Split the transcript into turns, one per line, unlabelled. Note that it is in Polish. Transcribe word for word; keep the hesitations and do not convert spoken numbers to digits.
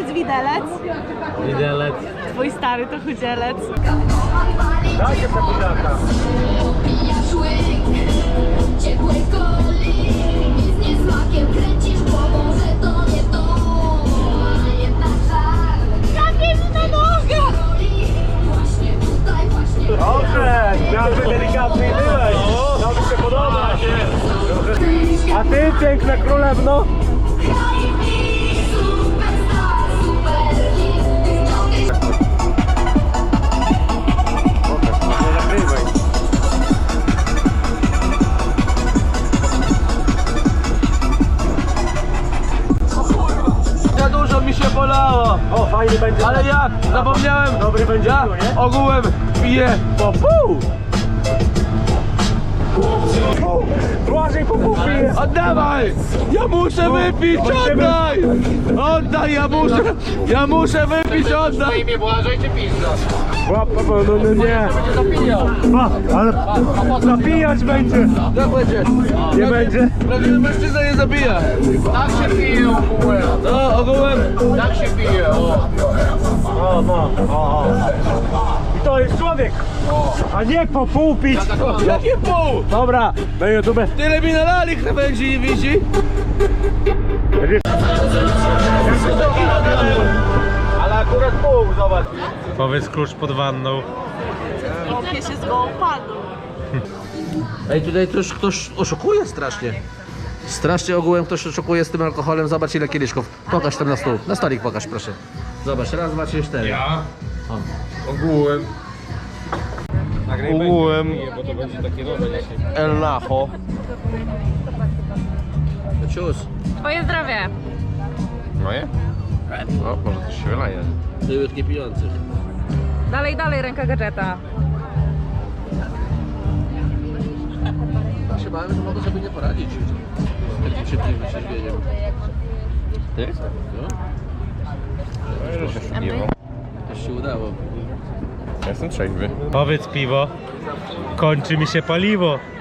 jest widelec.
Widelec.
Twój stary to chudzielec.
Dajcie te buziaka.
Ciepłej coli i z niesmakiem kręcisz głową, że to nie to. Jedna żal.
Jakie mi na nogę!
Właśnie tutaj, właśnie
Dobrze, miałby delikatny i byłeś. To mi się podoba. A ty, piękna królewno?
superstar, super hit.
Nie nagrywaj.
Za dużo mi się bolało,
O, fajny będzie.
ale jak? Zapomniałem,
Dobry będzie
ja
piwo, nie?
ogółem piję po pół.
Błażej po pół pije.
Oddawaj! Ja muszę wypić,
Musimy-
oddaj! Oddaj, ja muszę, ja muszę wypić, oddaj!
Łap, no, no, no nie. A, ale napijać będzie.
Jak będzie?
Nie będzie?
Prawdziwy mężczyzna nie zabija.
Tak się pije ogółem,
No, ogółem.
tak się pije, o.
O, no. O, o. I to jest człowiek. A nie po pół pić.
Jakie pół?
Dobra, na YouTube.
Tyle mi nalali krawędzi i widzi.
Ale akurat pół, zobacz.
Powiedz klucz pod wanną.
Kopie się z gołą paną.
Ej, tutaj też ktoś oszukuje strasznie. Strasznie ogółem ktoś oszukuje z tym alkoholem. Zobacz ile kieliszków. Pokaż tam na stół. Na stolik pokaż, proszę. Zobacz, raz, dwa, trzy, cztery.
Ja? Ogółem.
Ogółem.
Bo to będzie takie nowe dzisiaj.
El Nacho. Cius.
Twoje zdrowie.
Moje? O, może coś się wylaje.
Byłych niepijących.
Dalej, dalej, ręka gadżeta.
Ja się bałem, że mogę sobie nie poradzić z takim szybkim wytrzeźwieniem.
Ty?
No, to się udało.
Ja jestem trzeźwy.
Powiedz piwo. Kończy mi się paliwo.